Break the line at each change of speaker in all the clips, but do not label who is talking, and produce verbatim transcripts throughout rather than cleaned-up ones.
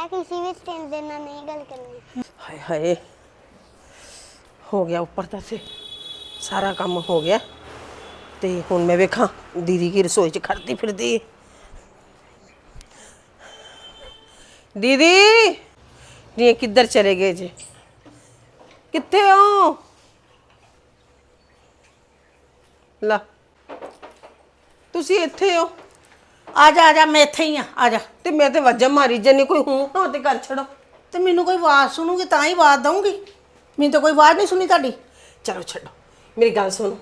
मैं किसी भी स्ट्रेंजर ਨਾਲ नहीं गल करनी।
ਹਾਏ ਹਾਏ ਹੋ ਗਿਆ ਉੱਪਰ ਤਾਂ ਸੇ ਸਾਰਾ ਕੰਮ ਹੋ ਗਿਆ ਤੇ ਹੁਣ ਮੈਂ ਵੇਖਾਂ ਦੀਦੀ ਕੀ ਰਸੋਈ 'ਚ ਖੜਦੀ ਫਿਰਦੀ ਏ। ਦੀਦੀ ਨੀ ਕਿੱਧਰ ਚਲੇ ਗਏ ਜੀ ਕਿੱਥੇ ਹੋ ਲਾ ਤੁਸੀਂ ਇੱਥੇ ਹੋ
ਆ ਜਾ ਆ ਜਾ ਮੈਂ ਇੱਥੇ ਹੀ ਆ ਆ ਜਾ
ਤੇ ਮੈਂ ਤੇ ਵਾਜਾ ਮਾਰੀ ਜੰਨੀ ਕੋਈ ਹੂੰ ਹਾਂ ਤੇ ਕਰ ਛੜੋ
ਤੇ ਮੈਨੂੰ ਕੋਈ ਆਵਾਜ਼ ਸੁਣੂਗੀ ਤਾਂ ਹੀ ਆਵਾਜ਼ ਦਊਂਗੀ ਮੈਨੂੰ ਤਾਂ ਕੋਈ ਆਵਾਜ਼ ਨਹੀਂ ਸੁਣੀ ਤੁਹਾਡੀ
ਚਲੋ ਛੱਡੋ ਮੇਰੀ ਗੱਲ ਸੁਣੋ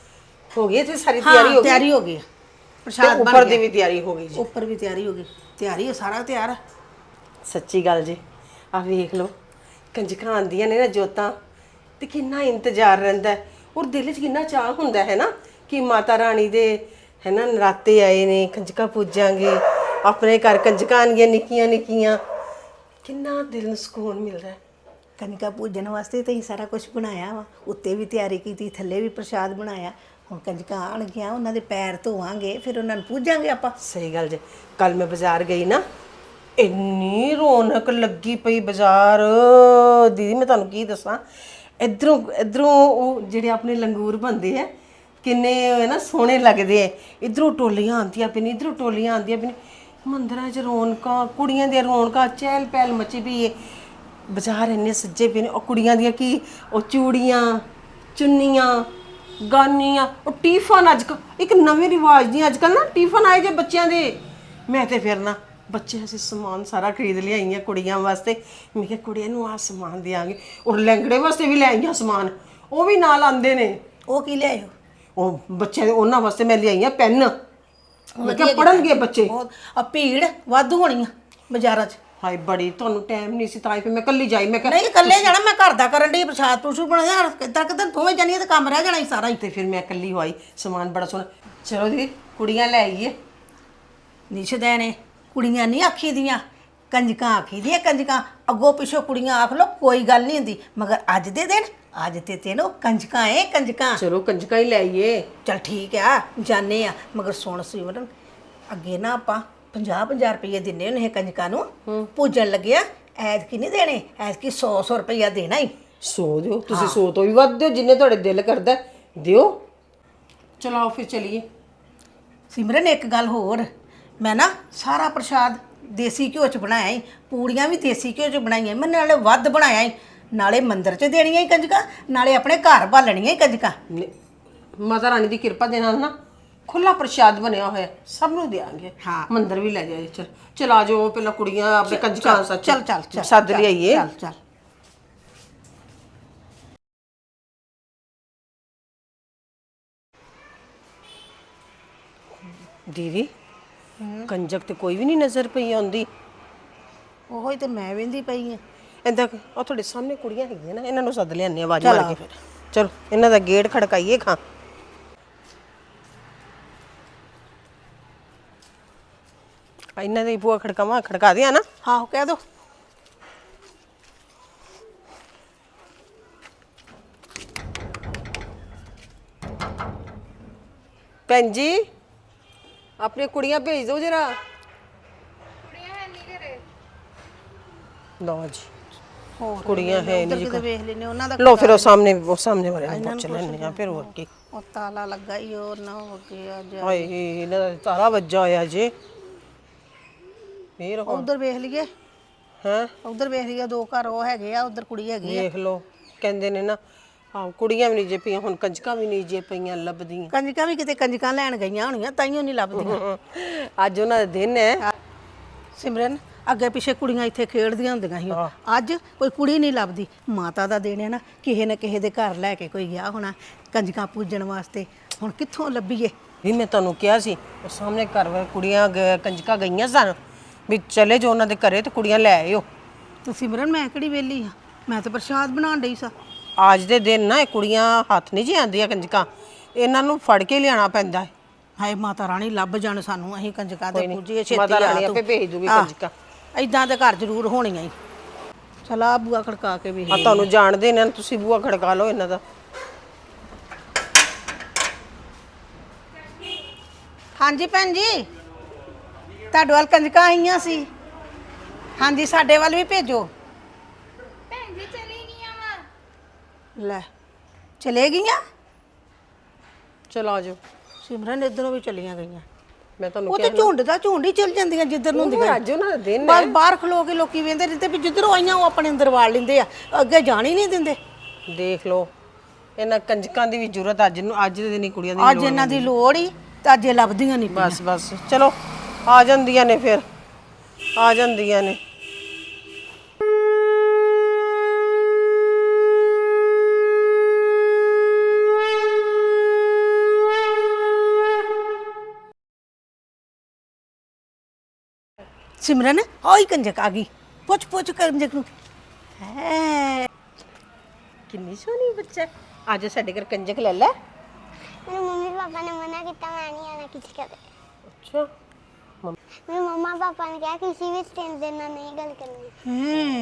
ਹੋ ਗਈ ਤੇ ਸਾਰੀ
ਹਾਂ
ਤਿਆਰੀ ਹੋ ਗਈ
ਤਿਆਰੀ ਹੋ ਗਈ ਆ।
ਤੇ
ਪ੍ਰਸ਼ਾਦ ਬਣ
ਉੱਪਰ ਦੀ
ਗਿਆ
ਵੀ ਤਿਆਰੀ ਹੋ ਗਈ ਜੀ
ਉੱਪਰ ਵੀ ਤਿਆਰੀ ਹੋ ਗਈ ਤਿਆਰੀ ਹੈ ਸਾਰਾ ਤਿਆਰ ਆ।
ਸੱਚੀ ਗੱਲ ਜੀ ਆ ਵੇਖ ਲਓ ਕੰਜਕਾਂ ਆਉਂਦੀਆਂ ਨੇ ਨਾ ਜੋਤਾਂ ਤੇ ਕਿੰਨਾ ਇੰਤਜ਼ਾਰ ਰਹਿੰਦਾ ਹੈ ਔਰ ਦਿਲ 'ਚ ਕਿੰਨਾ ਚਾਹ ਹੁੰਦਾ ਹੈ ਨਾ ਕਿ ਮਾਤਾ ਰਾਣੀ ਦੇ ਹੈ ਨਾ ਨਰਾਤੇ ਆਏ ਨੇ ਕੰਜਕਾਂ ਪੂਜਾਂਗੇ ਆਪਣੇ ਘਰ ਕੰਜਕਾਂ ਆਉਣਗੀਆਂ ਨਿੱਕੀਆਂ ਨਿੱਕੀਆਂ ਕਿੰਨਾ ਦਿਲ ਨੂੰ ਸਕੂਨ ਮਿਲਦਾ ਹੈ।
ਕਨਿਕਾ ਪੂਜਣ ਵਾਸਤੇ ਤਾਂ ਹੀ ਸਾਰਾ ਕੁਝ ਬਣਾਇਆ ਵਾ ਉੱਤੇ ਵੀ ਤਿਆਰੀ ਕੀਤੀ ਥੱਲੇ ਵੀ ਪ੍ਰਸ਼ਾਦ ਬਣਾਇਆ ਹੁਣ ਕੰਜਕਾਂ ਆਉਣਗੀਆਂ ਉਹਨਾਂ ਦੇ ਪੈਰ ਧੋਵਾਂਗੇ ਫਿਰ ਉਹਨਾਂ ਨੂੰ ਪੂਜਾਂਗੇ ਆਪਾਂ।
ਸਹੀ ਗੱਲ ਜੀ ਕੱਲ ਮੈਂ ਬਾਜ਼ਾਰ ਗਈ ਨਾ ਇੰਨੀ ਰੌਣਕ ਲੱਗੀ ਪਈ ਬਾਜ਼ਾਰ ਦੀਦੀ ਮੈਂ ਤੁਹਾਨੂੰ ਕੀ ਦੱਸਾਂ ਇਧਰੋਂ ਇਧਰੋਂ ਉਹ ਜਿਹੜੇ ਆਪਣੇ ਲੰਗੂਰ ਬਣਦੇ ਆ ਕਿੰਨੇ ਹੈ ਨਾ ਸੋਹਣੇ ਲੱਗਦੇ ਆ ਇਧਰੋਂ ਟੋਲੀਆਂ ਆਉਂਦੀਆਂ ਪਈਆਂ ਇਧਰੋਂ ਟੋਲੀਆਂ ਆਉਂਦੀਆਂ ਪਈਆਂ ਮੰਦਰਾਂ 'ਚ ਰੌਣਕਾਂ ਕੁੜੀਆਂ ਦੀਆਂ ਰੌਣਕਾਂ ਚਹਿਲ ਪਹਿਲ ਮਚੀ ਪਈ ਹੈ ਬਾਜ਼ਾਰ ਇੰਨੇ ਸੱਜੇ ਪਏ ਨੇ ਉਹ ਕੁੜੀਆਂ ਦੀਆਂ ਕੀ ਉਹ ਚੂੜੀਆਂ ਚੁੰਨੀਆਂ ਗਾਨੀਆਂ ਉਹ ਟੀਫਨ ਅੱਜ ਕੱਲ੍ਹ ਇੱਕ ਨਵੇਂ ਰਿਵਾਜ ਦੀਆਂ ਅੱਜ ਕੱਲ੍ਹ ਨਾ ਟੀਫਨ ਆਏ ਜੇ ਬੱਚਿਆਂ ਦੇ ਮੈਂ ਤੇ ਫਿਰ ਨਾ ਬੱਚੇ ਅਸੀਂ ਸਮਾਨ ਸਾਰਾ ਖਰੀਦ ਲਿਆਈਆਂ ਕੁੜੀਆਂ ਵਾਸਤੇ ਮੈਂ ਕਿਹਾ ਕੁੜੀਆਂ ਨੂੰ ਆਹ ਸਮਾਨ ਦਿਆਂਗੇ ਔਰ ਲਹਿੰਗੜੇ ਵਾਸਤੇ ਵੀ ਲੈ ਆਈਆਂ ਸਮਾਨ ਉਹ ਵੀ ਨਾਲ ਆਉਂਦੇ ਨੇ
ਉਹ ਕੀ ਲਿਆਇਓ
ਉਹ ਬੱਚਿਆਂ ਦੇ ਉਹਨਾਂ ਵਾਸਤੇ ਮੈਂ ਲਿਆਈਆਂ ਪੈਨ ਮੈਂ ਕਿਹਾ ਪੜਨਗੇ ਬੱਚੇ
ਬਹੁਤ ਆ ਭੀੜ ਵਾਧੂ ਹੋਣੀ ਆ ਬਾਜ਼ਾਰਾਂ 'ਚ।
ਹਾਏ ਬੜੀ ਤੁਹਾਨੂੰ ਟਾਈਮ ਨਹੀਂ ਸੀ ਤਾਂ ਹੀ ਫਿਰ ਮੈਂ ਕੱਲੀ ਜਾਈ ਮੈਂ ਕਿਹਾ
ਨਹੀਂ ਇਕੱਲੇ ਜਾਣਾ ਮੈਂ ਘਰ ਦਾ ਕਰਨ ਦੀ ਪ੍ਰਸ਼ਾਦ ਪ੍ਰਸ਼ੂ ਬਣਾਇਆ ਕਿੱਦਾਂ ਕਿੱਦਾਂ ਦੋਵੇਂ ਜਾਣੀਆਂ ਤੇ ਕੰਮ ਰਹਿ ਜਾਣਾ ਹੀ ਸਾਰਾ ਹੀ।
ਤੇ ਫਿਰ ਮੈਂ ਕੱਲੀ ਹੋਈ ਸਮਾਨ ਬੜਾ ਸੋਹਣਾ ਚਲੋ ਦੀ ਕੁੜੀਆਂ ਲੈ ਆਈਏ
ਨਿਸ਼ਦੈ ਨੇ ਕੁੜੀਆਂ ਨਹੀਂ ਆਖੀ ਦੀਆਂ ਕੰਜਕਾਂ ਆਖੀ ਦੀਆਂ ਕੰਜਕਾਂ ਅੱਗੋਂ ਪਿੱਛੋਂ ਕੁੜੀਆਂ ਆਖ ਲੋ ਕੋਈ ਗੱਲ ਨਹੀਂ ਹੁੰਦੀ ਮਗਰ ਅੱਜ ਦੇ ਦਿਨ ਅੱਜ ਤੇ ਤੈਨੂੰ ਕੰਜਕਾਂ ਏ ਕੰਜਕਾਂ।
ਚਲੋ ਕੰਜਕਾਂ ਹੀ ਲੈ ਆਈਏ
ਚਲ ਠੀਕ ਆ ਜਾਣੇ ਆ ਮਗਰ ਸੁਣ ਸਿਮਰਨ ਅੱਗੇ ਨਾ ਆਪਾਂ ਪੰਜਾਹ ਪੰਜਾਹ ਰੁਪਏ ਦਿੰਨੇ ਹੁੰਦੇ ਕੰਜਕਾਂ ਨੂੰ ਪੂਜਣ ਲੱਗਿਆ ਐਤਕੀ ਨਹੀਂ ਦੇਣੇ ਐਤਕੀ ਸੌ ਸੌ ਰੁਪਇਆ ਦੇਣਾ ਹੀ।
ਸੌ ਦਿਓ ਤੁਸੀਂ ਸੌ ਤੋਂ ਵੀ ਵੱਧ ਦਿਓ ਜਿੰਨੇ ਤੁਹਾਡੇ ਦਿਲ ਕਰਦਾ ਦਿਓ ਚਲੋ ਆਓ ਫਿਰ ਚਲੀਏ।
ਸਿਮਰਨ ਇੱਕ ਗੱਲ ਹੋਰ ਮੈਂ ਨਾ ਸਾਰਾ ਪ੍ਰਸ਼ਾਦ ਦੇਸੀ ਘਿਓ 'ਚ ਬਣਾਇਆ ਹੀ ਪੂੜੀਆਂ ਵੀ ਦੇਸੀ ਘਿਓ 'ਚ ਬਣਾਈਆਂ ਮੈਂ ਨਾਲੇ ਵੱਧ ਬਣਾਇਆ ਹੀ ਨਾਲੇ ਮੰਦਿਰ 'ਚ ਦੇਣੀਆਂ ਹੀ ਕੰਜਕਾਂ ਨਾਲੇ ਆਪਣੇ ਘਰ ਬਾਲਣੀਆਂ ਹੀ ਕੰਜਕਾਂ।
ਮਾਤਾ ਰਾਣੀ ਦੀ ਕਿਰਪਾ ਦੇ ਨਾਲ ਨਾ ਖੁੱਲਾ ਪ੍ਰਸ਼ਾਦ ਬਣਿਆ ਹੋਇਆ ਸਭ ਨੂੰ ਦੇਾਂਗੇ
ਹਾਂ
ਮੰਦਿਰ ਵੀ ਲੈ ਜਾਏ ਚਲ ਚਲ ਆ ਜਾਓ ਪਹਿਲਾਂ ਕੁੜੀਆਂ ਆਪਣੇ ਕੰਜਕਾਂ ਸੱਚ
ਚੱਲ ਚੱਲ ਚੱਲ
ਸੱਦ ਲਿਆਈਏ
ਚੱਲ ਚੱਲ
ਦੀਦੀ ਕੰਜਕ ਤੇ ਕੋਈ ਵੀ ਨਹੀਂ ਨਜ਼ਰ ਪਈ ਆਉਂਦੀ
ਉਹੋ ਹੀ ਤੇ ਮੈਂ ਵੇਂਦੀ ਪਈ ਆ
ਏਦਾਂ ਉਹ ਤੁਹਾਡੇ ਸਾਹਮਣੇ ਕੁੜੀਆਂ ਹੈਗੀਆਂ ਨਾ ਇਹਨਾਂ ਨੂੰ ਸੱਦ ਲਿਆਨੇ ਆਵਾਜ਼ ਮਾਰ ਕੇ ਫਿਰ ਚਲੋ ਇਹਨਾਂ ਦਾ ਗੇਟ ਖੜਕਾਈਏ ਖਾਂ ਇਹਨਾਂ ਦੇ ਬੂਆ ਖੜਕਾਵਾਂ ਖੜਕਾ ਦਿਆਂ ਨਾ
ਹਾਂ ਕਹਿ ਦੋ
ਭੈਣ ਜੀ ਆਪਣੀ ਕੁੜੀਆਂ ਭੇਜ ਦਿਓ ਜਰਾ
ਕੁੜੀਆਂ ਹੈ ਨਹੀਂ ਘਰੇ
ਲਓ ਜੀ
ਹੋਰ
ਕੁੜੀਆਂ ਹੈ
ਉਧਰ
ਨਹੀਂ
ਕਿਤੇ ਵੇਖ ਲੈਨੇ ਉਹਨਾਂ ਦਾ
ਲਓ ਫਿਰ ਉਹ ਸਾਹਮਣੇ ਉਹ ਸਾਹਮਣੇ ਵਾਲੇ ਨੂੰ ਪੁੱਛ ਲੈਣੇ ਆ ਫਿਰ ਹੋਰ ਕੀ
ਉਹ ਤਾਲਾ ਲੱਗਾ ਹੀ ਉਹ ਨਾ ਹੋ ਗਿਆ ਜਾ
ਹਾਏ ਇਹਨਾਂ ਦਾ ਤਾਰਾ ਵੱਜਾ ਹੋਇਆ ਜੇ ਫੇਰ ਹੁਣ
ਉਧਰ ਵੇਖ ਲਈਏ
ਹੈ
ਉਧਰ ਵੇਖ ਲਈਏ ਦੋ ਘਰ ਉਹ ਹੈਗੇ ਆ ਉਧਰ ਕੁੜੀ ਹੈਗੀ ਆ
ਵੇਖ ਲਓ ਕਹਿੰਦੇ ਨੇ ਨਾ ਹਾਂ ਕੁੜੀਆਂ ਵੀ ਨਹੀਂ ਜੇ ਪਈਆਂ ਹੁਣ ਕੰਜਕਾਂ ਵੀ ਨਹੀਂ ਜੇ ਪਈਆਂ ਲੱਭਦੀਆਂ
ਕੰਜਕਾਂ ਵੀ ਕਿਤੇ ਕੰਜਕਾਂ ਲੈਣ ਗਈਆਂ ਹੋਣੀਆਂ ਤਾਈਓ ਨਹੀਂ ਲੱਭਦੀਆਂ
ਅੱਜ ਉਹਨਾਂ ਦਾ ਦਿਨ ਹੈ
ਸਿਮਰਨ ਅੱਗੇ ਪਿੱਛੇ ਕੁੜੀਆਂ ਇੱਥੇ ਖੇਡਦੀਆਂ ਹੁੰਦੀਆਂ ਸੀ ਅੱਜ ਕੋਈ ਕੁੜੀ ਨਹੀਂ ਲੱਭਦੀ ਮਾਤਾ ਦਾ ਦੇਣ ਹੈ ਨਾ ਕਿਸੇ ਨਾ ਕਿਸੇ ਦੇ ਘਰ ਲੈ ਕੇ ਕੋਈ ਗਿਆ ਹੋਣਾ ਕੰਜਕਾਂ ਪੂਜਣ ਵਾਸਤੇ ਹੁਣ ਕਿੱਥੋਂ ਲੱਭੀਏ।
ਵੀ ਮੈਂ ਤੁਹਾਨੂੰ ਕਿਹਾ ਸੀ ਉਹ ਸਾਹਮਣੇ ਘਰ ਵਾਲੇ ਕੁੜੀਆਂ ਗ- ਕੰਜਕਾਂ ਗਈਆਂ ਸਨ ਵੀ ਚਲੇ ਜੋ ਉਹਨਾਂ ਦੇ ਘਰੇ ਤੇ ਕੁੜੀਆਂ ਲੈ ਆਇਓ
ਤੂੰ ਸਿਮਰਨ ਮੈਂ ਕਿਹੜੀ ਵਿਹਲੀ ਆ ਮੈਂ ਤਾਂ ਪ੍ਰਸ਼ਾਦ ਬਣਾਉਣ ਡਈ ਸਾਂ।
ਅੱਜ ਦੇ ਦਿਨ ਨਾ ਇਹ ਕੁੜੀਆਂ ਹੱਥ ਨਹੀਂ ਜੀ ਆਉਂਦੀਆਂ ਕੰਜਕਾਂ ਇਹਨਾਂ ਨੂੰ ਫੜ ਕੇ ਲਿਆਣਾ ਪੈਂਦਾ ਹੈ
ਹਾਏ ਮਾਤਾ ਰਾਣੀ ਲੱਭ ਜਾਣ ਸਾਨੂੰ ਅਸੀਂ ਕੰਜਕਾਂ
ਕੋਈ
ਦੇ
ਨੀ,
ਪੂਜੀਏ ਛੇਤੀ
ਮਾਤਾ ਰਾਣੀ
ਆ ਤੂੰ।
ਆਪੇ ਭੇਜ ਦੂਗੀ
ਆਹ,
ਕੰਜਕਾਂ।
ਏਦਾਂ ਦੇ ਘਰ ਜ਼ਰੂਰ ਹੋਣੀਆਂ ਹੀ ਚਲ ਆ ਬੂਆ ਖੜਕਾ ਕੇ ਵੇਖ
ਆ ਤੁਹਾਨੂੰ ਜਾਣਦੇ ਨੇ ਤੁਸੀਂ ਬੂਆ ਖੜਕਾ ਲਓ ਇਹਨਾਂ ਦਾ
ਹਾਂਜੀ ਭੈਣ ਜੀ ਤੁਹਾਡੇ ਵੱਲ ਕੰਜਕਾਂ ਆਈਆਂ ਸੀ ਹਾਂਜੀ ਸਾਡੇ ਵੱਲ ਵੀ ਭੇਜੋ।
ਭੈਣ ਜੀ ਚਲੀ ਗਈਆਂ ਵਾ।
ਲੈ ਚਲੇ ਗਈਆਂ।
ਚਲੋ ਆ ਜਾਓ।
ਸਿਮਰਨ ਇਧਰੋਂ ਵੀ ਚਲੀਆਂ ਗਈਆਂ।
ਮੈਂ ਤੁਹਾਨੂੰ
ਉਹ ਤੇ
ਕਿਹਾ
ਝੁੰਡ ਦਾ ਝੁੰਡ ਹੀ ਚਲ ਜਾਂਦੀਆਂ ਜਿੱਧਰ ਨੂੰ
ਉਹ
ਹੁੰਦੀਆਂ।
ਅੱਜ ਉਹਨਾਂ ਦਾ ਦਿਨ
ਬਸ
ਹੈ।
ਬਾਹਰ ਖਲੋ ਕੇ ਲੋਕੀ ਵੇਂਦੇ ਰਹਿੰਦੇ ਵੀ ਜਿੱਧਰੋਂ ਆਈਆਂ ਉਹ ਆਪਣੇ ਅੰਦਰ ਵਾੜ ਲੈਂਦੇ ਆ, ਅੱਗੇ ਜਾਣ ਹੀ ਨਹੀਂ ਦਿੰਦੇ।
ਦੇਖ ਲਓ ਇਹਨਾਂ ਕੰਜਕਾਂ ਦੀ ਵੀ ਜ਼ਰੂਰਤ ਅੱਜ ਨੂੰ ਅੱਜ ਦੇ ਦਿਨ ਹੀ ਕੁੜੀਆਂ ਦੀ ਵੀ
ਅੱਜ
ਲੋੜ
ਇਹਨਾਂ ਦੀ
ਪੈਂਦੀ।
ਲੋੜ ਹੀ ਤੇ ਅੱਜ ਇਹ ਲੱਭਦੀਆਂ ਨਹੀਂ ਪਈਆਂ।
ਬਸ ਬਸ ਚਲੋ ਆ ਜਾਂਦੀਆਂ ਨੇ ਫਿਰ ਆ ਜਾਂਦੀਆਂ ਨੇ।
ਸਿਮਰਨ ਆਈ ਕੰਜਕ ਆ ਗਈ। ਪੁੱਛ ਪੁੱਛ ਕੰਜਕ ਨੂੰ ਹੈ।
ਕਿੰਨੀ ਸੋਹਣੀ ਬੱਚਾ ਹੈ। ਅੱਜ ਸਾਡੇ ਘਰ ਕੰਜਕ ਲੈ ਲੈ।
मेरे मम्मी पापा ने मना किया मैं नहीं आना किसी का।
ਅੱਛਾ
मेरे मम्मा पापा ने कहा किसी भी स्ट्रेंजर ਨਾਲ नहीं गल करनी।
ਹੂੰ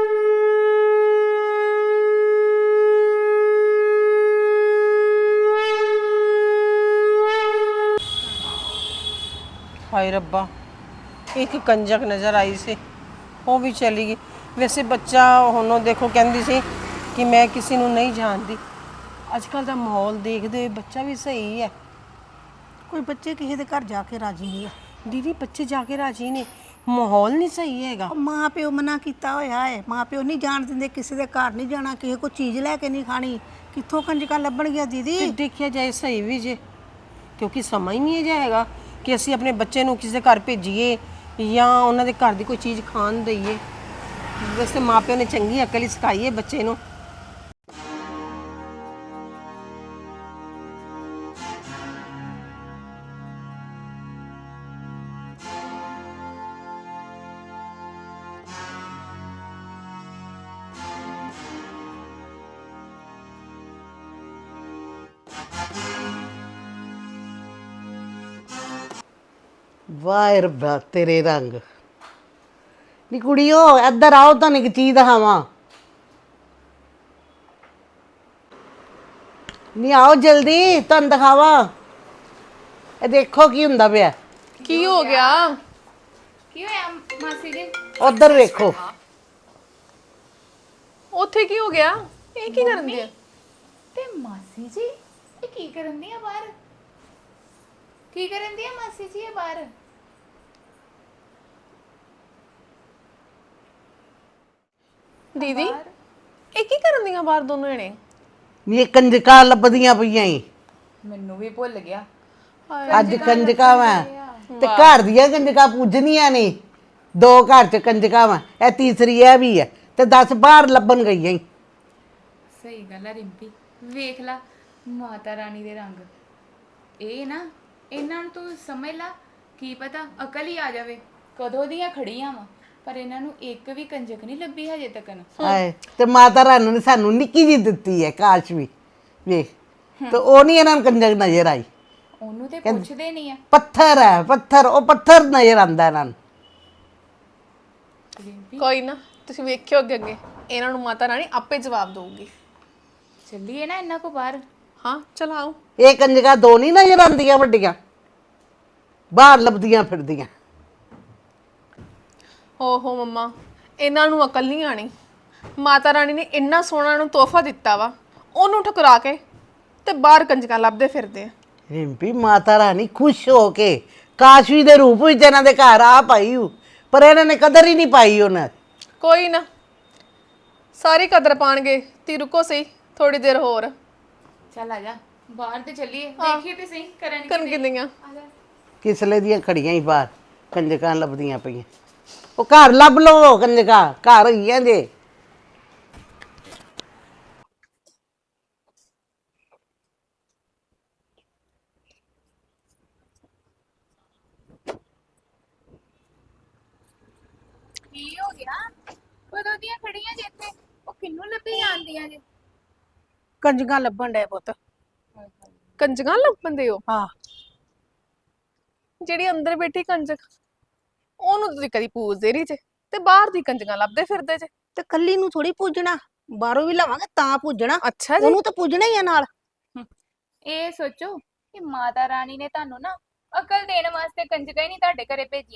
ਹਾਏ ਰੱਬਾ ਇੱਕ ਕੰਜਕ ਨਜ਼ਰ ਆਈ ਸੀ ਉਹ ਵੀ ਚਲੀ ਗਈ। ਵੈਸੇ ਬੱਚਾ ਹੁਣ ਉਹ ਦੇਖੋ ਕਹਿੰਦੀ ਸੀ ਕਿ ਮੈਂ ਕਿਸੇ ਨੂੰ ਨਹੀਂ ਜਾਣਦੀ। ਅੱਜ ਕੱਲ ਦਾ ਮਾਹੌਲ ਦੇਖਦੇ ਹੋਏ ਬੱਚਾ ਵੀ ਸਹੀ ਹੈ।
ਕੋਈ ਬੱਚੇ ਕਿਸੇ ਦੇ ਘਰ ਜਾ ਕੇ ਰਾਜੀ ਨਹੀਂ ਆ।
ਦੀਦੀ ਬੱਚੇ ਜਾ ਕੇ ਰਾਜੀ ਨੇ ਮਾਹੌਲ ਨਹੀਂ ਸਹੀ ਹੈਗਾ।
ਉਹ ਮਾਂ ਪਿਓ ਮਨਾ ਕੀਤਾ ਹੋਇਆ ਹੈ। ਮਾਂ ਪਿਓ ਨਹੀਂ ਜਾਣ ਦਿੰਦੇ, ਕਿਸੇ ਦੇ ਘਰ ਨਹੀਂ ਜਾਣਾ, ਕਿਸੇ ਕੋ ਚੀਜ਼ ਲੈ ਕੇ ਨਹੀਂ ਖਾਣੀ। ਕਿੱਥੋਂ ਕੰਜਕਾਂ ਲੱਭਣ ਗਿਆ ਦੀਦੀ।
ਤੇ ਦੇਖਿਆ ਜਾਏ ਸਹੀ ਵੀ ਜੇ ਕਿਉਂਕਿ ਸਮਾਂ ਹੀ ਨਹੀਂ ਜਾਏਗਾ ਕਿ ਅਸੀਂ ਆਪਣੇ ਬੱਚੇ ਨੂੰ ਕਿਸੇ ਦੇ ਘਰ ਭੇਜੀਏ ਜਾਂ ਉਹਨਾਂ ਦੇ ਘਰ ਦੀ ਕੋਈ ਚੀਜ਼ ਖਾਣ ਦਈਏ। ਵੈਸੇ ਮਾਪਿਆਂ ਨੇ ਚੰਗੀ ਅਕਲ ਹੀ ਸਿਖਾਈ ਹੈ ਬੱਚੇ ਨੂੰ।
ਵਾਹ ਰੱਬਾ ਤੇਰੇ ਰੰਗ ਨੀ ਕੁੜੀਓ ਇੱਧਰ ਆਓ, ਤੁਹਾਨੂੰ ਇੱਕ ਚੀਜ਼ ਦਿਖਾਵਾਂ। ਨੀ ਆਓ ਜਲਦੀ, ਤੁਹਾਨੂੰ ਦਿਖਾਵਾਂ। ਇਹ ਦੇਖੋ ਕੀ ਹੁੰਦਾ ਪਿਆ।
ਕੀ ਹੋ ਗਿਆ?
ਕੀ ਹੋਇਆ ਮਾਸੀ ਜੀ?
ਉਧਰ ਵੇਖੋ।
ਉੱਥੇ ਕੀ ਹੋ ਗਿਆ? ਇਹ ਕੀ ਕਰਨ ਦੀ ਆ?
ਤੇ ਮਾਸੀ ਜੀ ਇਹ ਕੀ ਕਰਨ ਦੀ ਆ ਬਾਹਰ? ਕੀ ਕਰਨ ਦੀ ਆ ਮਾਸੀ ਜੀ ਇਹ ਬਾਹਰ?
ਦੀਦੀ ਇਹ ਕੀ ਕਰਨ ਦੀਆਂ ਬਾਹਰ ਦੋਨੋਂ ਜਣੇ?
ਨੀ ਇਹ ਕੰਜਕਾਂ ਲੱਭਦੀਆਂ ਪਈਆਂ ਈ।
ਮੈਨੂੰ ਵੀ ਭੁੱਲ ਗਿਆ।
ਅੱਜ ਕੰਜਕਾਂ ਵਾ ਤੇ ਘਰ ਦੀਆਂ ਕੰਜਕਾਂ ਪੂਜਣੀਆਂ ਨੇ। ਦੋ ਘਰ ਚ ਕੰਜਕਾਂ ਵਾ, ਇਹ ਤੀਸਰੀ ਇਹ ਵੀ ਹੈ ਤੇ ਦਸ ਬਾਹਰ ਲੱਭਣ ਗਈਆਂ ਈ।
ਸਹੀ ਗੱਲ ਆ ਰਿੰਪੀ, ਵੇਖ ਲਾ ਮਾਤਾ ਰਾਣੀ ਦੇ ਰੰਗ। ਇਹ ਨਾ ਇਹਨਾਂ ਨੂੰ ਤੂੰ ਸਮਝ ਲਾ, ਕੀ ਪਤਾ ਅਕਲ ਹੀ ਆ ਜਾਵੇ। ਕਦੋਂ ਦੀਆਂ ਖੜੀਆਂ ਵਾ ਪਰ ਇਹਨਾਂ ਨੂੰ ਇੱਕ ਵੀ ਕੰਜਕ ਨਹੀਂ ਲੱਭੀ ਹਜੇ ਤੱਕਨ।
ਹਾਏ ਤੇ ਮਾਤਾ ਰਾਣੀ ਨੇ ਸਾਨੂੰ ਨਿੱਕੀ ਜਿਹੀ ਦਿੱਤੀ ਹੈ ਕਾਸ਼ ਵੀ ਵੇਖ, ਤੇ ਉਹ ਨਹੀਂ ਇਹਨਾਂ ਨੂੰ ਕੰਜਕ ਨਜ਼ਰ ਆਈ।
ਉਹਨੂੰ ਤੇ ਪੁੱਛਦੇ ਨਹੀਂ ਆ।
ਪੱਥਰ ਹੈ ਪੱਥਰ, ਉਹ ਪੱਥਰ ਨਜ਼ਰ ਆਂਦਾ ਇਹਨਾਂ ਨੂੰ।
ਕੋਈ ਨਾ ਤੁਸੀਂ ਵੇਖਿਓ ਅੱਗੇ ਅੱਗੇ ਇਹਨਾਂ ਨੂੰ ਮਾਤਾ ਰਾਣੀ ਆਪੇ ਜਵਾਬ ਦਊਗੀ।
ਚੱਲੀਏ ਨਾ ਇਹਨਾਂ ਕੋ ਬਾਹਰ।
ਹਾਂ ਚਲ ਆਓ।
ਇਹ ਕੰਜਕਾਂ ਦੋ ਨਹੀਂ ਨਜ਼ਰ ਆਉਂਦੀਆਂ ਵੱਡੀਆਂ, ਬਾਹਰ ਲੱਭਦੀਆਂ ਫਿਰਦੀਆਂ।
ਓਹੋ ਮੰਮਾ ਇਹਨਾਂ ਨੂੰ ਅਕਲ ਨਹੀਂ ਆਣੀ। ਮਾਤਾ ਰਾਣੀ ਨੇ ਇੰਨਾ ਸੋਹਣਾ ਨੂੰ ਤੋਹਫਾ ਦਿੱਤਾ ਵਾ, ਉਹਨੂੰ ਠੁਕਰਾ ਕੇ ਤੇ ਬਾਹਰ ਕੰਜਕਾਂ ਲੱਭਦੇ ਫਿਰਦੇ ਆ।
ਰਿੰਪੀ ਮਾਤਾ ਰਾਣੀ ਖੁਸ਼ ਹੋ ਕੇ ਕਾਸ਼ਵੀ ਦੇ ਰੂਪ ਵਿੱਚ ਇਹਨਾਂ ਦੇ ਘਰ ਆ ਪਾਈ ਹੂ, ਪਰ ਇਹਨਾਂ ਨੇ ਕਦਰ ਹੀ ਨਹੀਂ ਪਾਈ ਉਹਨਾਂ।
ਕੋਈ ਨਾ ਸਾਰੀ ਕਦਰ ਪਾਣਗੇ। ਤੀ ਰੁਕੋ ਸਹੀ ਥੋੜੀ ਦੇਰ ਹੋਰ।
ਚੱਲ ਆ ਜਾ ਬਾਹਰ ਤੇ ਚੱਲੀਏ, ਦੇਖੀਏ ਤੇ ਸਹੀ ਕਰਨ
ਕਰਨ ਕਿੰਦੀਆਂ
ਕਿਸਲੇ ਦੀਆਂ ਖੜੀਆਂ ਹੀ ਬਾਹਰ ਕੰਜਕਾਂ ਲੱਭਦੀਆਂ ਪਈਆਂ। ਉਹ ਘਰ ਲੱਭ ਲਓ ਕੰਜਕਾਂ, ਘਰ ਹੈਗੀਆਂ ਜੇ।
ਕੀ ਹੋ ਗਿਆ? ਕਦੋਂ ਦੀਆਂ ਖੜੀਆਂ ਜੇ ਇੱਥੇ? ਉਹ ਕਿੰਨੂੰ ਲੱਭੀ ਜਾਂਦੀਆਂ ਜੇ?
ਕੰਜਕਾਂ ਲੱਭਣ ਡਏ ਪੁੱਤ।
ਕੰਜਕਾਂ ਲੱਭਣ ਦੇ ਹੋ?
ਹਾਂ
ਜਿਹੜੀ ਅੰਦਰ ਬੈਠੀ ਕੰਜਕ ਉਹਨੂੰ ਤੁਸੀਂ ਕਦੀ ਪੂਜਦੇ ਨਹੀਂ ਜੇ ਤੇ ਬਾਹਰ ਦੀ ਕੰਜਕਾਂ ਲੱਭਦੇ ਫਿਰਦੇ ਜੇ।
ਤੇ ਕੱਲੀ ਨੂੰ ਥੋੜੀ ਪੂਜਣਾ, ਬਾਹਰੋਂ ਵੀ ਲਵਾਂਗੇ ਤਾਂ ਪੂਜਣਾ।
ਅੱਛਾ ਜੀ।
ਉਹਨੂੰ ਤਾਂ ਪੂਜਣਾ ਹੀ ਆ ਨਾਲ।
ਇਹ ਸੋਚੋ ਕਿ ਮਾਤਾ ਰਾਣੀ ਨੇ ਤੁਹਾਨੂੰ ਨਾ ਅਕਲ ਦੇਣ ਵਾਸਤੇ ਕੰਜਕਾਂ ਹੀ ਨਹੀਂ ਤੁਹਾਡੇ ਘਰੇ ਭੇਜੀਆਂ,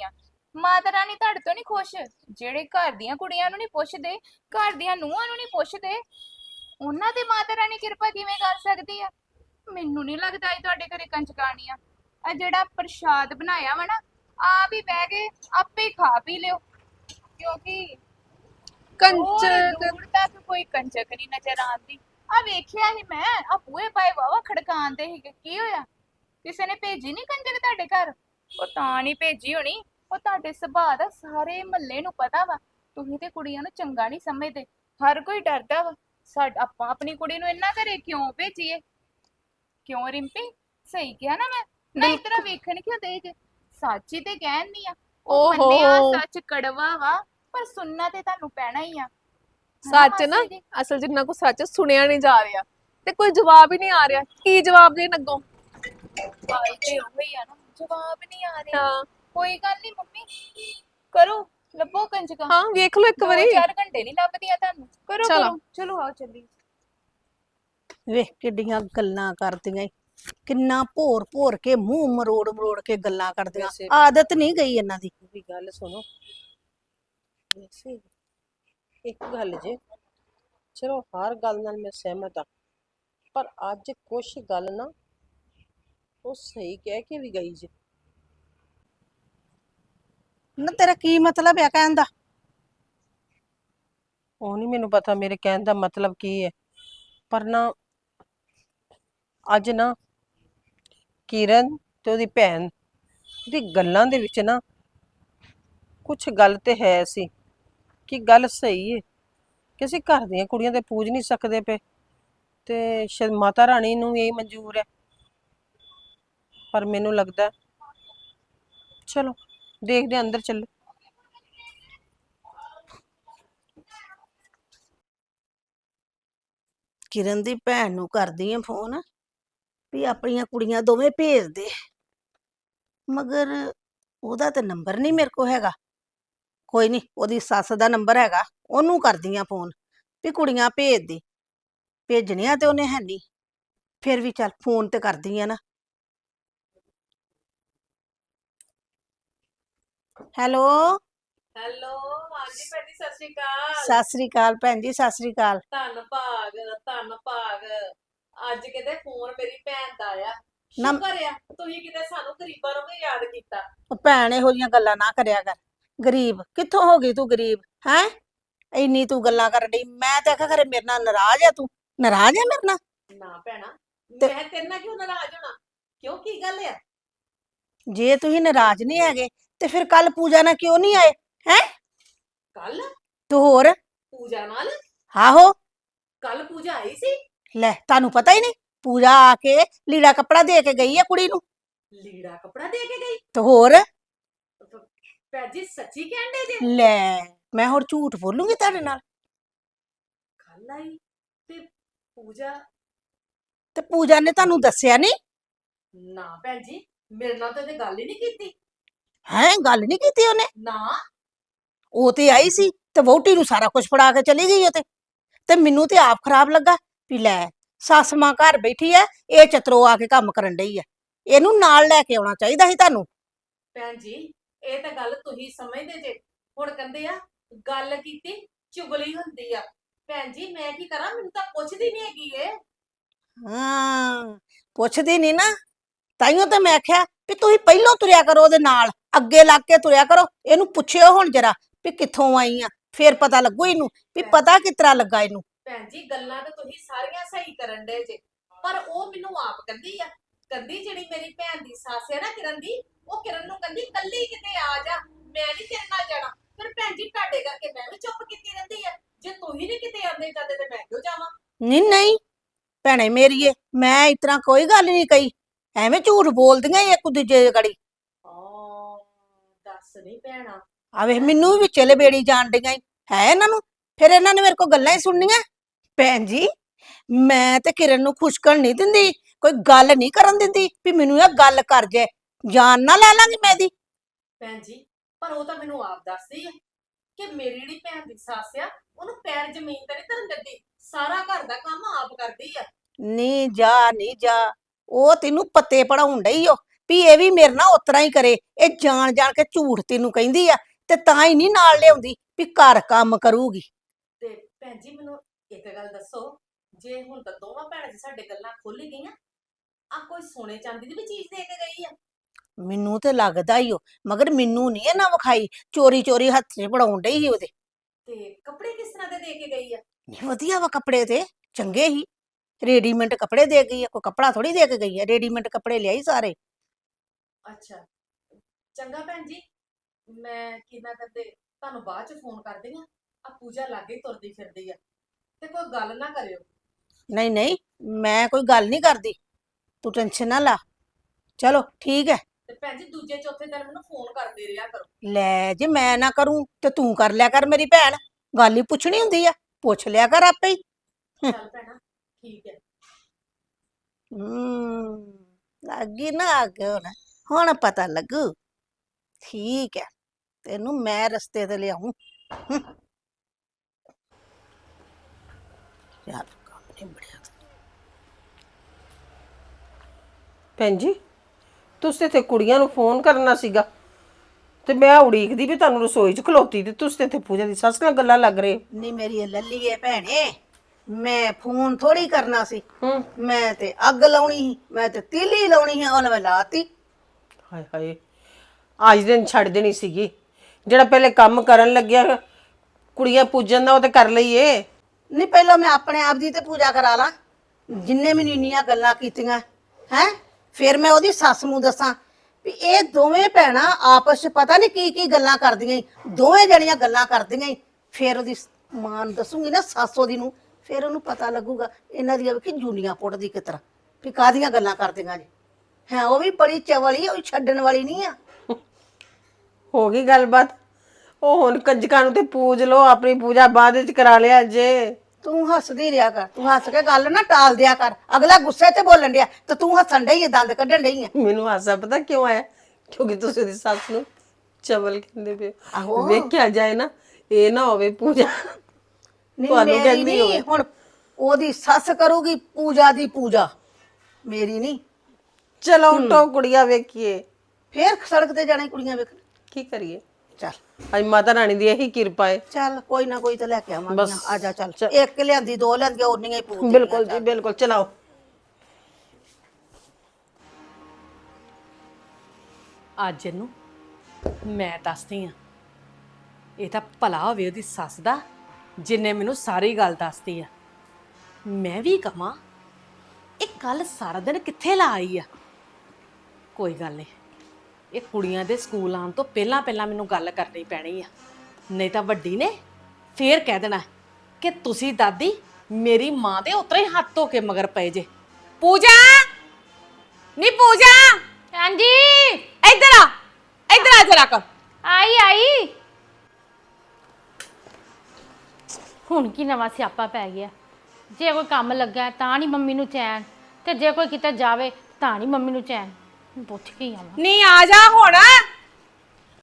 ਮਾਤਾ ਰਾਣੀ ਤੁਹਾਡੇ ਤੋਂ ਨਹੀਂ ਖੁਸ਼? ਜਿਹੜੇ ਘਰ ਦੀਆਂ ਕੁੜੀਆਂ ਨੂੰ ਨਹੀਂ ਪੁੱਛਦੇ, ਘਰ ਦੀਆਂ ਨੂੰਹਾਂ ਨੂੰ ਨਹੀਂ ਪੁੱਛਦੇ, ਉਹਨਾਂ ਤੇ ਮਾਤਾ ਰਾਣੀ ਕਿਰਪਾ ਕਿਵੇਂ ਕਰ ਸਕਦੀ ਆ? ਮੈਨੂੰ ਨਹੀਂ ਲੱਗਦਾ ਇਹ ਤੁਹਾਡੇ ਘਰੇ ਕੰਜਕਾਣੀ ਆ। ਆ ਜਿਹੜਾ ਪ੍ਰਸ਼ਾਦ ਬਣਾਇਆ ਵਾ ਨਾ, ਆਪ ਹੀ ਬਹਿ ਕੇ ਆਪੇ ਹੀ ਖਾ ਪੀ ਲਿਓ, ਕਿਉਂਕਿ
ਕੰਚਕ
ਦੂਰ ਤੱਕ ਕੋਈ ਕੰਜਕ ਨਹੀਂ ਨਜ਼ਰ ਆਉਂਦੀ। ਆ ਵੇਖਿਆ ਹੀ ਮੈਂ, ਆ ਬੂਹੇ ਪਾਏ ਵਾਵਾ ਖੜਕਾਉਂਦੇ ਸੀਗੇ, ਕੀ ਹੋਇਆ? ਕਿਸੇ ਨੇ ਭੇਜੀ ਨਹੀਂ ਕੰਜਕ ਤੁਹਾਡੇ ਘਰ? ਉਹ ਤਾਂ ਨਹੀਂ ਭੇਜੀ ਹੋਣੀ, ਉਹ ਤੁਹਾਡੇ ਸੁਭਾਅ ਦਾ ਸਾਰੇ ਮਹੱਲੇ ਨੂੰ ਪਤਾ ਵਾ। ਤੁਸੀਂ ਤੇ ਕੁੜੀਆਂ ਨੂੰ ਚੰਗਾ ਨਹੀਂ ਸਮਝਦੇ, ਹਰ ਕੋਈ ਡਰਦਾ ਵਾ। ਸਾਡ ਆਪਾਂ ਆਪਣੀ ਕੁੜੀ ਨੂੰ ਇੰਨਾ ਘਰੇ ਕਿਉਂ ਭੇਜੀਏ? ਕਿਉਂ ਰਿੰਪੀ? ਸਹੀ ਕਿਹਾ ਨਾ ਮੈਂ? ਨਾ ਇਸ ਤਰ੍ਹਾਂ ਵੇਖਣ ਕਿਉਂ ਦੇ ਜੇ? ਸੱਚ ਹੀ ਤੇ ਕਹਿਣੀ ਆ। ਉਹ
ਓਹੋ।
ਮੰਨਿਆ ਸੱਚ ਕੜਵਾ ਵਾ, ਪਰ ਸੁਣਨਾ ਤੇ ਤੁਹਾਨੂੰ ਪੈਣਾ ਹੀ ਆ।
ਸੱਚ ਨਾ, ਅਸਲ ਜਿੰਨਾ ਕੋ ਸੱਚ ਸੁਣਿਆ ਨਹੀਂ ਜਾ ਰਿਹਾ ਤੇ ਕੋਈ ਜਵਾਬ ਹੀ ਨਹੀਂ ਆ ਰਿਹਾ। ਕੀ ਜਵਾਬ ਦੇਣ ਅੱਗੋਂ?
ਗੱਲ ਤੇ ਉਹੀ ਆ ਨਾ, ਜਵਾਬ ਨਹੀਂ ਆ ਰਿਹਾ।
ਹਾਂ
ਕੋਈ ਗੱਲ ਨਹੀਂ ਮੰਮੀ, ਕਰੋ ਲੱਭੋ ਕੰਜਕਾਂ।
ਹਾਂ ਵੇਖ ਲਓ ਇੱਕ
ਦੋ
ਵਾਰੀ।
ਚਾਰ ਘੰਟੇ ਨਹੀਂ ਲੱਭਦੀਆਂ ਤੁਹਾਨੂੰ। ਕਰੋ
ਚਲੋ।
ਕਰੋ, ਚਲੋ ਆਓ ਚੱਲੀ।
ਵੇਖ ਕਿੱਡੀਆਂ ਗੱਲਾਂ ਕਰਦੀਆਂ ਈ। ਕਿੰਨਾ ਭੋਰ ਭੋਰ ਕੇ ਮੂੰਹ ਮਰੋੜ ਮਰੋੜ ਕੇ ਗੱਲਾਂ ਕਰਦੀਆਂ।
ਵੈਸੇ-
ਆਦਤ ਨਹੀਂ ਗਈ ਇਹਨਾਂ ਦੀ।
ਵੀ ਗੱਲ ਸੁਣੋ, ਵੈਸੇ ਇੱਕ ਗੱਲ ਜੇ, ਚਲੋ ਹਰ ਗੱਲ ਨਾਲ ਮੈਂ ਸਹਿਮਤ ਹਾਂ, ਪਰ ਅੱਜ ਕੁਛ ਗੱਲ ਨਾ ਉਹ ਸਹੀ ਕਹਿ ਕੇ ਵੀ ਗਈ ਜੇ।
ਨਾ ਤੇਰਾ ਕੀ ਮਤਲਬ ਹੈ ਕਹਿਣ ਦਾ?
ਉਹ ਨਹੀਂ ਮੈਨੂੰ ਪਤਾ ਮੇਰੇ ਕਹਿਣ ਦਾ ਮਤਲਬ ਕੀ ਹੈ, ਪਰ ਨਾ ਅੱਜ ਨਾ ਕਿਰਨ ਤੇ ਉਹਦੀ ਭੈਣ ਦੀ ਗੱਲਾਂ ਦੇ ਵਿੱਚ ਨਾ ਕੁਛ ਗੱਲ ਤੇ ਹੈ ਸੀ ਕਿ ਗੱਲ ਸਹੀ ਹੈ ਕਿ ਅਸੀਂ ਘਰ ਦੀਆਂ ਕੁੜੀਆਂ ਤੇ ਪੂਜ ਨਹੀਂ ਸਕਦੇ ਪਏ, ਤੇ ਸ਼ਾਇਦ ਮਾਤਾ ਰਾਣੀ ਨੂੰ ਇਹ ਮਨਜ਼ੂਰ ਹੈ। ਪਰ ਮੈਨੂੰ ਲੱਗਦਾ, ਚਲੋ ਦੇਖਦੇ ਹਾਂ, ਅੰਦਰ ਚੱਲੋ।
ਕਿਰਨ ਦੀ ਭੈਣ ਨੂੰ ਕਰਦੀ ਆ ਫੋਨ ਵੀ ਆਪਣੀਆਂ ਕੁੜੀਆਂ ਦੋਵੇਂ ਭੇਜ ਦੇ, ਮਗਰ ਉਹਦਾ ਤੇ ਨੰਬਰ ਨਹੀਂ ਮੇਰੇ ਕੋਲ ਹੈਗਾ। ਕੋਈ ਨਹੀਂ, ਉਹਦੀ ਸੱਸ ਦਾ ਨੰਬਰ ਹੈਗਾ, ਉਹਨੂੰ ਕਰਦੀ ਆ ਫੋਨ ਵੀ ਕੁੜੀਆਂ ਭੇਜ ਦੇ। ਭੇਜਣੀਆਂ ਤੇ ਉਹਨੇ ਹੈ ਨਹੀਂ, ਫਿਰ ਵੀ ਚੱਲ ਫੋਨ ਤੇ ਕਰਦੀ ਆ ਨਾ। ਹੈਲੋ
ਹੈਲੋ, ਹਾਂਜੀ ਭੈਣ ਜੀ, ਸਤਿ ਸ਼੍ਰੀ ਅਕਾਲ।
ਸਤਿ ਸ੍ਰੀ ਅਕਾਲ ਭੈਣ ਜੀ, ਸਤਿ ਸ੍ਰੀ ਅਕਾਲ।
ਧੰਨ ਭਾਗ ਧੰਨ ਭਾਗ, ਅੱਜ ਕਿਤੇ ਫੋਨ ਮੇਰੀ ਭੈਣ ਦਾ ਆਇਆ।
ਨਾ-
ਸ਼ੁਕਰ ਆ ਤੁਸੀਂ ਕਿਤੇ ਸਾਨੂੰ ਗਰੀਬਾਂ ਨੂੰ ਵੀ ਯਾਦ ਕੀਤਾ।
ਉਹ ਭੈਣ ਇਹੋ ਜਿਹੀਆਂ ਗੱਲਾਂ ਨਾ ਕਰਿਆ ਕਰ। ਗਰੀਬ ਕਿੱਥੋਂ ਹੋ ਗਈ ਤੂੰ? ਗਰੀਬ ਹੈ? ਇੰਨੀ ਤੂੰ ਗੱਲਾਂ ਕਰਨ ਡਈ, ਮੈਂ ਤੇ ਆਖਿਆ ਖਰੇ ਮੇਰੇ ਨਾਲ ਨਾਰਾਜ਼ ਆ। ਤੂੰ ਨਾਰਾਜ਼ ਆ ਮੇਰੇ ਨਾਲ?
ਨਾ ਭੈਣਾ,
ਤੇ-
ਮੈਂ ਤੇਰੇ ਨਾਲ ਕਿਉਂ ਨਾਰਾਜ਼ ਹੋਣਾ? ਕਿਉਂ, ਕੀ ਗੱਲ ਆ?
ਜੇ ਤੁਸੀਂ ਨਾਰਾਜ਼ ਨਹੀਂ ਹੈਗੇ ਤੇ ਫਿਰ ਕੱਲ ਪੂਜਾ ਨਾਲ ਕਿਉਂ ਨਹੀਂ ਆਏ? ਹੈ
ਕੱਲ
ਤੂੰ ਹੋਰ?
ਪੂਜਾ ਨਾਲ?
ਆਹੋ
ਕੱਲ ਪੂਜਾ ਆਈ ਸੀ?
ਲੈ, ਤੁਹਾਨੂੰ ਪਤਾ ਹੀ ਨਹੀਂ? ਪੂਜਾ ਆ ਕੇ ਲੀੜਾ ਕੱਪੜਾ ਦੇ ਕੇ ਗਈ ਆ ਕੁੜੀ ਨੂੰ।
ਲੀੜਾ ਕੱਪੜਾ ਦੇ ਕੇ ਗਈ?
ਤੇ ਹੋਰ?
ਭੈਣ ਜੀ ਸੱਚੀ ਕਹਿੰਦੇ ਜੇ?
ਲੈ, ਮੈਂ ਹੋਰ ਝੂਠ ਬੋਲੂੰਗੀ ਤੁਹਾਡੇ ਨਾਲ?
ਕੱਲ ਆਈ ਤੇ ਪੂਜਾ?
ਤੇ ਪੂਜਾ ਨੇ ਤੁਹਾਨੂੰ ਦੱਸਿਆ ਨਹੀਂ?
ਨਾ ਭੈਣ ਜੀ, ਮੇਰੇ ਨਾਲ ਤਾਂ ਇਹਨੇ ਗੱਲ ਹੀ ਨਹੀਂ ਕੀਤੀ।
ਹੈ, ਗੱਲ ਨਹੀਂ ਕੀਤੀ ਉਹਨੇ?
ਨਾ।
ਉਹ ਤੇ ਆਈ ਸੀ ਤੇ ਵਹੁਟੀ ਨੂੰ ਸਾਰਾ ਕੁਝ ਫੜਾ ਕੇ ਚਲੀ ਗਈ ਉਹ ਤੇ ਤੇ ਮੈਨੂੰ ਤੇ ਆਪ ਖਰਾਬ ਲੱਗਾ ਵੀ ਲੈ, ਸੱਸ ਮਾਂ ਘਰ ਬੈਠੀ ਐ, ਇਹ ਚਤਰੋ ਆ ਕੇ ਕੰਮ ਕਰਨ ਡਈ ਐ। ਇਹਨੂੰ ਨਾਲ ਲੈ ਕੇ ਆਉਣਾ ਚਾਹੀਦਾ ਸੀ ਤੁਹਾਨੂੰ।
ਭੈਣ ਜੀ, ਇਹ ਤਾਂ ਗੱਲ ਤੁਸੀਂ ਸਮਝਦੇ ਜੇ। ਹੁਣ ਕਹਿੰਦੇ ਆ ਗੱਲ ਕੀਤੀ ਚੁਗਲੀ ਹੁੰਦੀ ਆ। ਭੈਣ ਜੀ ਮੈਂ ਕੀ ਕਰਾਂ, ਮੈਨੂੰ ਤਾਂ ਪੁੱਛਦੀ ਨਹੀਂ ਹੈਗੀ ਏ।
ਹਾਂ, ਪੁੱਛਦੀ ਨਹੀਂ ਨਾ, ਤਾਈਓ ਤਾਂ ਮੈਂ ਆਖਿਆ ਵੀ ਤੁਸੀਂ ਪਹਿਲਾਂ ਤੁਰਿਆ ਕਰੋ ਉਹਦੇ ਨਾਲ, ਅੱਗੇ ਲੱਗ ਕੇ ਤੁਰਿਆ ਕਰੋ। ਇਹਨੂੰ ਪੁੱਛਿਓ ਹੁਣ ਜਰਾ ਵੀ ਕਿੱਥੋਂ ਆਈ ਆ, ਫੇਰ ਪਤਾ ਲੱਗੂ ਇਹਨੂੰ ਵੀ ਪਤਾ ਕਿਸ ਤਰ੍ਹਾਂ ਲੱਗਾ ਇਹਨੂੰ।
ਭੈਣ ਜੀ ਗੱਲਾਂ ਤਾਂ ਤੁਸੀਂ ਸਾਰੀਆਂ ਸਹੀ ਕਰਨ ਦੇ ਜੇ, ਪਰ ਉਹ ਮੈਨੂੰ ਆਪ ਕਹਿੰਦੀ ਆ, ਕਹਿੰਦੀ ਜਿਹੜੀ ਮੇਰੀ ਭੈਣ ਦੀ ਸੱਸ ਹੈ ਨਾ ਕਿਰਨ ਦੀ, ਉਹ ਕਿਰਨ ਨੂੰ ਕਹਿੰਦੀ ਕੱਲੀ ਕਿਤੇ ਆ ਜਾ, ਮੈਂ ਨਹੀਂ ਤੇਰੇ ਨਾਲ ਜਾਣਾ। ਫਿਰ ਭੈਣ ਜੀ ਤੁਹਾਡੇ ਕਰਕੇ ਮੈਂ ਵੀ ਚੁੱਪ ਕੀਤੀ ਰਹਿੰਦੀ ਆ। ਜੇ ਤੁਸੀਂ ਨਹੀਂ ਕਿਤੇ ਆਉਂਦੇ ਜਾਂਦੇ ਤੇ ਮੈਂ ਕਿਉਂ ਜਾਵਾਂ?
ਨਹੀਂ ਨਹੀਂ ਭੈਣੇ ਮੇਰੀਏ, ਮੈਂ ਇਸ ਤਰ੍ਹਾਂ ਕੋਈ ਗੱਲ ਨਹੀਂ ਕਹੀ, ਐਵੇਂ ਝੂਠ ਬੋਲਦੀਆਂ ਈ ਇੱਕ ਦੂਜੇ ਦੀ ਗੜੀ।
ਆ ਦੱਸ ਨਹੀਂ ਭੈਣਾ।
ਆਵੇ ਮੈਨੂੰ ਵੀ ਵਿੱਚੇ ਲਬੇੜੀ ਜਾਣ ਡਈਆਂ ਈ ਹੈ ਇਹਨਾਂ ਨੂੰ। ਫਿਰ ਇਹਨਾਂ ਨੇ ਮੇਰੇ ਕੋਲ ਗੱਲਾਂ ਹੀ ਸੁਣਨੀਆਂ। ਭੈਣ ਜੀ, ਮੈਂ ਤੇ ਕਿਰਨ ਨੂੰ ਖੁਸ਼ਕਣ ਨਹੀਂ ਦਿੰਦੀ, ਕੋਈ ਗੱਲ ਨਹੀਂ ਕਰਨ ਦਿੰਦੀ ਵੀ ਮੈਨੂੰ ਇਹ ਗੱਲ ਕਰ ਜੇ, ਜਾਨ ਨਾ ਲੈ ਲਾਂਗੀ ਮੈਂ ਦੀ।
ਭੈਣ ਜੀ, ਪਰ ਉਹ ਤਾਂ ਮੈਨੂੰ ਆਪ ਦੱਸਦੀ ਹੈ ਕਿ ਮੇਰੀ ਜਿਹੜੀ ਭੈਣ ਦੀ ਸੱਸ ਆ, ਉਹਨੂੰ ਪੈਰ ਜ਼ਮੀਨ ਤੇ ਨਹੀਂ ਧਰਨ ਦਿੰਦੀ, ਸਾਰਾ ਘਰ ਦਾ ਕੰਮ ਆਪ ਕਰਦੀ ਆ।
ਨਹੀਂ ਜਾ, ਨਹੀਂ ਜਾ, ਉਹ ਤੈਨੂੰ ਪੱਤੇ ਪੜਾਉਣ ਡਈ ਓ ਵੀ ਇਹ ਵੀ ਮੇਰੇ ਨਾਲ ਉਤਰਾ ਹੀ ਕਰੇ, ਇਹ ਜਾਣ ਜਾਣ ਕੇ ਝੂਠ ਤੈਨੂੰ ਕਹਿੰਦੀ ਆ ਤੇ ਤਾਂ ਹੀ ਨਹੀਂ ਨਾਲ ਲਿਆਉਂਦੀ ਵੀ ਘਰ ਕੰਮ ਕਰੂਗੀ।
ਤੇ ਭੈਣ ਜੀ ਮੈਨੂੰ ਇੱਕ ਗੱਲ ਦੱਸੋ, ਜੇ ਹੁਣ ਤਾਂ ਦੋਵਾਂ ਭੈਣਾਂ 'ਚ ਸਾਡੇ ਗੱਲਾਂ ਖੁੱਲ ਹੀ ਗਈਆਂ, ਆ ਕੋਈ ਸੋਨੇ ਚਾਂਦੀ ਦੀ ਵੀ ਚੀਜ਼ ਦੇ ਕੇ ਗਈ ਆ?
ਮੈਨੂੰ ਤੇ ਲੱਗਦਾ ਹੀ ਉਹ, ਮਗਰ ਮੈਨੂੰ ਨਹੀਂ ਇਹ ਨਾ ਵਿਖਾਈ, ਚੋਰੀ ਚੋਰੀ ਹੱਥ 'ਚ ਫੜਾਉਣ ਡਈ ਸੀ ਉਹਦੇ।
ਤੇ ਕੱਪੜੇ ਕਿਸ ਤਰ੍ਹਾਂ ਦੇ ਦੇ ਕੇ ਗਈ ਆ?
ਨਹੀਂ ਵਧੀਆ ਵਾ ਕੱਪੜੇ ਤੇ ਚੰਗੇ ਹੀ, ਰੈਡੀਮੇਡ ਕੱਪੜੇ ਦੇ ਗਈ ਆ, ਕੋਈ ਕੱਪੜਾ ਥੋੜੀ ਦੇ ਕੇ ਗਈ ਆ, ਰੈਡੀਮੇਡ ਕੱਪੜੇ ਲਿਆਈ ਸਾਰੇ।
ਅੱਛਾ ਚੰਗਾ ਭੈਣ ਜੀ, ਮੈਂ ਕਿੰਨਾ ਕਰਦੇ ਤੁਹਾਨੂੰ ਬਾਅਦ 'ਚ ਫੋਨ ਕਰਦੀ ਆ। ਆ ਪੂਜਾ ਲਾਗੇ ਹੀ ਤੁਰਦੀ ਫਿਰਦੀ ਆ, ਤੇ ਕੋਈ ਗੱਲ ਨਾ ਕਰਿਓ।
ਨਹੀਂ ਨਹੀਂ ਮੈਂ ਕੋਈ ਗੱਲ ਨਹੀਂ ਕਰਦੀ, ਤੂੰ ਟੈਨਸ਼ਨ ਨਾ ਲਾ। ਚਲੋ ਠੀਕ ਹੈ।
ਤੇ ਭੈਣ ਜੀ ਦੂਜੇ ਚੌਥੇ ਦਿਨ ਮੈਨੂੰ ਫੋਨ ਕਰਦੇ ਰਿਹਾ ਕਰੋ।
ਲੈ ਜੇ ਮੈਂ ਨਾ ਕਰੂੰ ਤੇ ਤੂੰ ਕਰ ਲਿਆ ਕਰ, ਮੇਰੀ ਭੈਣ ਗੱਲ ਹੀ ਪੁੱਛਣੀ ਹੁੰਦੀ ਆ, ਪੁੱਛ ਲਿਆ ਕਰ ਆਪੇ ਹੀ।
ਚੱਲ ਭੈਣਾ ਠੀਕ ਹੈ।
ਹੂੰ ਲੱਗੀ ਨਾ ਅੱਗ ਹੁਣ, ਹੁਣ ਪਤਾ ਲੱਗੂ। ਠੀਕ ਹੈ, ਤੈਨੂੰ ਮੈਂ ਰਸਤੇ ਤੇ ਲਿਆਉਂ। ਯਾਰ ਕੰਮ ਨਹੀਂ ਬੜਿਆ।
ਭੈਣ ਜੀ ਤੁਸੀਂ ਤੇ ਕੁੜੀਆਂ ਨੂੰ ਫੋਨ ਕਰਨਾ ਸੀਗਾ, ਤੇ ਮੈਂ ਉਡੀਕਦੀ ਵੀ ਤੁਹਾਨੂੰ ਰਸੋਈ 'ਚ ਖਲੋਤੀ, ਤੇ ਤੁਸੀਂ ਤੇ ਇੱਥੇ ਪੂਜਾ ਦੀ ਸੱਸ ਨਾਲ ਗੱਲਾਂ ਲੱਗ ਰਹੇ।
ਨਹੀਂ ਮੇਰੀ ਇਹ ਲੱਲੀ ਏ ਭੈਣੇ, ਮੈਂ ਫੋਨ ਥੋੜੀ ਕਰਨਾ ਸੀ,
ਹੂੰ
ਮੈਂ ਤੇ ਅੱਗ ਲਾਉਣੀ ਸੀ, ਮੈਂ ਤੇ ਤੀਲੀ ਲਾਉਣੀ ਹੈ, ਉਹਨੇ ਮੈਂ ਲਾਤੀ।
ਹਾਏ ਹਾਏ ਅੱਜ ਦਿਨ ਛੱਡ ਦੇਣੀ ਸੀਗੀ, ਜਿਹੜਾ ਪਹਿਲੇ ਕੰਮ ਕਰਨ ਲੱਗਿਆ ਕੁੜੀਆਂ ਪੂਜਣ ਦਾ ਉਹ ਤੇ ਕਰ ਲਈਏ।
ਨਹੀਂ ਪਹਿਲਾਂ ਮੈਂ ਆਪਣੇ ਆਪ ਦੀ ਤੇ ਪੂਜਾ ਕਰਾ ਲਾਂ, ਜਿੰਨੇ ਮੈਨੂੰ ਇੰਨੀਆਂ ਗੱਲਾਂ ਕੀਤੀਆਂ ਹੈ, ਫਿਰ ਮੈਂ ਉਹਦੀ ਸੱਸ ਨੂੰ ਦੱਸਾਂ ਵੀ ਇਹ ਦੋਵੇਂ ਭੈਣਾਂ ਆਪਸ 'ਚ ਪਤਾ ਨਹੀਂ ਕੀ ਕੀ ਗੱਲਾਂ ਕਰਦੀਆਂ ਈ, ਦੋਵੇਂ ਜਣੀਆਂ ਗੱਲਾਂ ਕਰਦੀਆਂ ਈ। ਫਿਰ ਉਹਦੀ ਮਾਂ ਨੂੰ ਦੱਸੂਗੀ ਨਾ, ਸੱਸ ਉਹਦੀ ਨੂੰ, ਫਿਰ ਉਹਨੂੰ ਪਤਾ ਲੱਗੂਗਾ ਇਹਨਾਂ ਦੀਆਂ ਵੇਖੀ ਜੂਨੀਆਂ ਪੁੱਟਦੀ ਕਿਸ ਤਰ੍ਹਾਂ ਵੀ ਕਾਹਦੀਆਂ ਗੱਲਾਂ ਕਰਦੀਆਂ ਜੀ। ਹੈ ਉਹ ਵੀ ਬੜੀ ਚਵਲੀ, ਉਹ ਵੀ ਛੱਡਣ ਵਾਲੀ ਨਹੀਂ ਆ।
ਹੋ ਗਈ ਗੱਲਬਾਤ, ਉਹ ਹੁਣ ਕੰਜਕਾਂ ਨੂੰ ਤੇ ਪੂਜ ਲੋ, ਆਪਣੀ ਪੂਜਾ ਬਾਅਦ ਵਿੱਚ ਕਰਾ ਲਿਆ ਜੇ।
ਤੂੰ ਹੱਸਦੀ ਰਿਹਾ ਕਰ, ਤੂੰ ਹੱਸ ਕੇ ਗੱਲ ਨਾ ਟਾਲ ਦਿਆ ਕਰ, ਅਗਲਾ ਗੁੱਸੇ 'ਚ ਬੋਲਣ ਡਿਆ ਤੇ ਤੂੰ ਹੱਸਣ ਡਈ ਹੈ, ਦੰਦ ਕੱਢਣ ਡਈ ਹੈ।
ਮੈਨੂੰ ਹਾਸਾ ਪਤਾ ਕਿਉਂ ਆਇਆ? ਕਿਉਂਕਿ ਤੁਸੀਂ ਉਹਦੀ ਸੱਸ ਨੂੰ ਚਵਲ ਕਹਿੰਦੇ ਪਏ।
ਆਹੋ।
ਵੇਖਿਆ ਜਾਏ ਨਾ, ਇਹ ਨਾ ਹੋਵੇ ਪੂਜਾ
ਨਹੀਂ
ਤੁਹਾਨੂੰ
ਮੇਰੀ
ਕਹਿੰਦੀ
ਨਹੀਂ,
ਹੋਵੇ।
ਹੁਣ ਉਹਦੀ ਸੱਸ ਕਰੂਗੀ ਪੂਜਾ ਦੀ ਪੂਜਾ, ਮੇਰੀ ਨਹੀਂ।
ਚਲੋ ਉਠੋ ਕੁੜੀਆਂ ਵੇਖੀਏ,
ਫੇਰ ਸੜਕ ਤੇ ਜਾਣਾ ਈ ਕੁੜੀਆਂ ਵੇਖਣ।
ਕੀ ਕਰੀਏ,
ਚੱਲ
ਅੱਜ ਮਾਤਾ ਰਾਣੀ ਦੀ ਇਹੀ ਕਿਰਪਾ ਹੈ।
ਚੱਲ ਕੋਈ ਨਾ ਕੋਈ ਤਾਂ ਲੈ ਕੇ ਆਵਾਂਗੇ
ਬਸ,
ਨਾ, ਆ ਜਾ ਚੱਲ,
ਚੱਲ।
ਇੱਕ ਲਿਆਂਦੀ ਦੋ ਲਿਆਂਦੀਆਂ ਉਨੀਆਂ ਹੀ ਪੂਜ
ਬਿਲਕੁਲ ਜੀ ਬਿਲਕੁਲ, ਚਲਾਓ।
ਅੱਜ ਇਹਨੂੰ ਮੈਂ ਦੱਸਦੀ ਆ, ਇਹ ਤਾਂ ਭਲਾ ਹੋਵੇ ਉਹਦੀ ਸੱਸ ਦਾ ਜਿੰਨੇ ਮੈਨੂੰ ਸਾਰੀ ਗੱਲ ਦੱਸਦੀ ਆ। ਮੈਂ ਵੀ ਕਹਾਂ ਇਹ ਕੱਲ ਸਾਰਾ ਦਿਨ ਕਿੱਥੇ ਲਾ ਆਈ ਆ। ਕੋਈ ਗੱਲ ਨਹੀਂ, ਇਹ ਕੁੜੀਆਂ ਦੇ ਸਕੂਲ ਆਉਣ ਤੋਂ ਪਹਿਲਾਂ ਪਹਿਲਾਂ ਮੈਨੂੰ ਗੱਲ ਕਰਨੀ ਪੈਣੀ ਆ, ਨਹੀਂ ਤਾਂ ਵੱਡੀ ਨੇ ਫੇਰ ਕਹਿ ਦੇਣਾ ਕਿ ਤੁਸੀਂ ਦਾਦੀ ਮੇਰੀ ਮਾਂ ਦੇ ਉਤਰੇ ਹੱਥ ਧੋ ਕੇ ਮਗਰ ਪਏ ਜੇ। ਪੂਜਾ ਨੀ ਪੂਜਾ,
ਹਾਂਜੀ
ਇੱਧਰ ਆ, ਇੱਧਰ ਆ ਜਰਾ ਕਰ।
ਆਈ ਆਈ। ਹੁਣ ਕੀ ਨਵਾਂ ਸਿਆਪਾ ਪੈ ਗਿਆ? ਜੇ ਕੋਈ ਕੰਮ ਲੱਗਾ ਤਾਂ ਨਹੀਂ ਮੰਮੀ ਨੂੰ ਚੈਨ, ਤੇ ਜੇ ਕੋਈ ਕਿਤੇ ਜਾਵੇ ਤਾਂ ਨਹੀਂ ਮੰਮੀ ਨੂੰ ਚੈਨ। ਪੁੱਛ ਕੇ ਹੀ ਆਵਾਂ।
ਨੀ ਆ ਜਾ ਹੁਣ।